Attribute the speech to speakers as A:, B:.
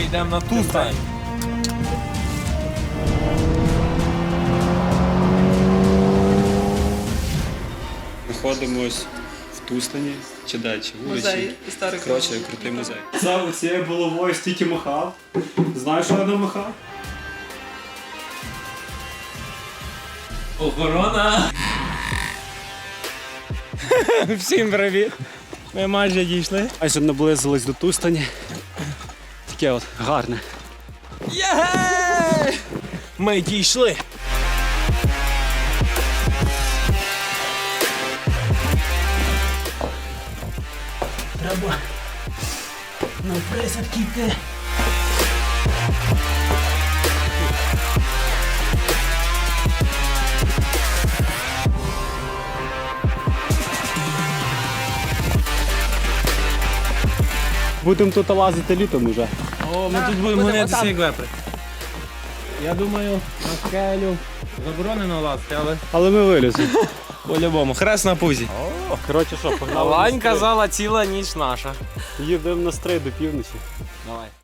A: йдемо на ту стань.
B: Знаходимось в Тустані, чи далі, вулиці.
C: Музей історики.
B: Коротше, крутий музей. За цією булавою стільки махав. Знаєш, що я намахав?
A: Охорона!
D: Всім привіт! Ми майже дійшли.
B: Майже наблизились до Тустані. Таке от гарне.
D: Є! Ми дійшли. Треба на присадки йти.
B: Будемо тут лазити літом уже.
D: О, ми тут будемо гонитися як вепри. Я думаю, на скелю заборонено лазити,
B: Але ми виліземо.
D: по-любому. Хрест на пузі.
B: Коротше, що, погнали?
D: Лань казала, ціла ніч наша.
B: Їдемо на стрей до півночі.
D: Давай.